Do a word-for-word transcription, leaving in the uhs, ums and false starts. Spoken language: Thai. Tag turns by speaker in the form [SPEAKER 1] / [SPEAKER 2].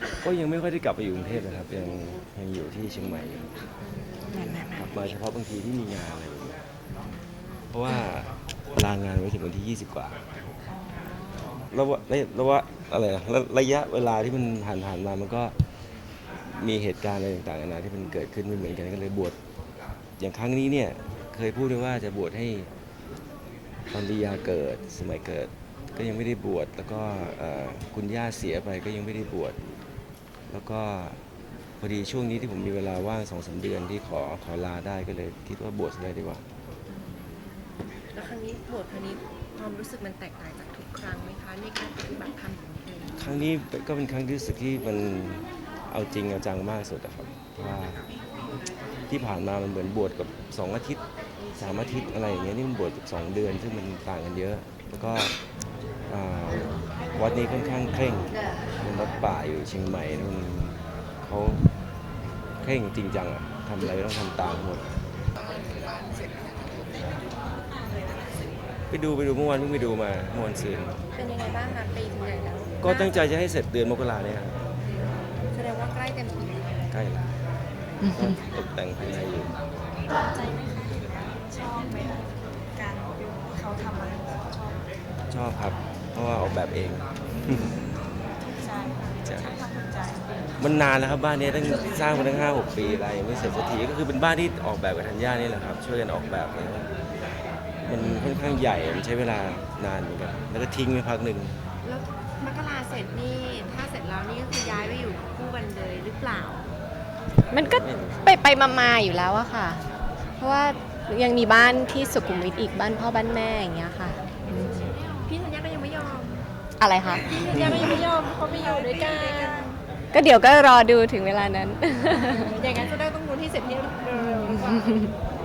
[SPEAKER 1] ก็ยังไม่ค่อยได้กลับไปอยู่กรุงเทพนะครับยังยังอยู่ที่เชียงใหม่อยู่ครับมาเฉพาะบางทีที่มีงานอะไรอย่างเงี้ยเพราะว่าลางานไว้ถึงวันที่ยี่สิบกว่าแล้วว่าแล้วว่าอะไรนะระยะเวลาที่มันผ่านผ่านมามันก็มีเหตุการณ์อะไรต่างๆนานาที่มันเกิดขึ้นไม่เหมือนกันก็เลยบวชอย่างครั้งนี้เนี่ยเคยพูดไว้ว่าจะบวชให้ตอนลียาเกิดสมัยเกิดก็ยังไม่ได้บวชแล้วก็คุณย่าเสียไปก็ยังไม่ได้บวชแล้วก็พอดีช่วงนี้ที่ผมมีเวลาว่างสองสามเดือนที่ขอขอลาได้ก็เลยคิดว่าบวชเลยดีกว่า
[SPEAKER 2] แล้วครั้งนี้บวชครั้งนี้ความรู้สึกมันแตกต่างจากทุกครั้งไหมคะในการปฏิบัติธรรมของเอง
[SPEAKER 1] ครั้งนี้ก็เป็นครั้งที่รู้สึกที่มันเอาจริงเอาจังมากสุดอะครับว่าที่ผ่านมามันเหมือนบวชกับสองอาทิตย์สามอาทิตย์อะไรอย่างเงี้ยนี่มันบวชกับสองเดือนซึ่งมันต่างกันเยอะแล้วก็วัดนี้ค่อนข้างเคร่งเป็นวัดป่าอยู่เชียงใหม่มันเขาเคร่งจริงจังอะทำอะไรต้องทำตามหมดไปดูไปดูเมื่อวานเพิ่งไปดูมาเมื่อวันซืน
[SPEAKER 2] เป็นยังไงบ้างคะไปถึงไหนแล้ว
[SPEAKER 1] ก็ตั้งใจจะให้เสร็จเดือนมกราเนี่ยครับ
[SPEAKER 2] แสดงว่าใกล้เต็มที
[SPEAKER 1] ใกล้แล้วก็ตกแต่งภายในอยู่
[SPEAKER 2] ชอบใจไหมคะชอบไหมการเขาทำอะไรชอบ
[SPEAKER 1] ชอบครับเพราะว่าออกแบบเอง
[SPEAKER 2] ใช่ใช่
[SPEAKER 1] มันนานแล้วครับบ้านนี้ตั้งสร้างมาตั้งห้าหกปีอะไรไม่เสร็จสักทีก็คือเป็นบ้านที่ออกแบบกับธัญญานี่แหละครับช่วยกันออกแบบเลยมันค่อนข้างใหญ่มันใช้เวลานานเหมือนกันแล้วก็ทิ้งไปพักหนึ่ง
[SPEAKER 2] แล้วมกราเสร็จนี่ถ้าเสร็จแล้วนี่ก็คือย้ายไปอยู่คู่กันเลยหรือเปล่า
[SPEAKER 3] มันก็ไปไปมาๆอยู่แล้วอะค่ะเพราะว่ายังมีบ้านที่สุขุมวิทอีกบ้านพ่อบ้านแม่อย่างเงี้ยค่ะ
[SPEAKER 2] พี่ธัญญาก็ยังไม่ยอม
[SPEAKER 3] อะไรคะ
[SPEAKER 2] พี่ธัญญาก็ยังไม่ยอมเขาไม่อยู่ด้วยกัน
[SPEAKER 3] ก็เดี๋ยวก็รอดูถึงเวลานั้น
[SPEAKER 2] อย่างนั้นจะได้ต้องรู้ที่เสร็จที่เร็ว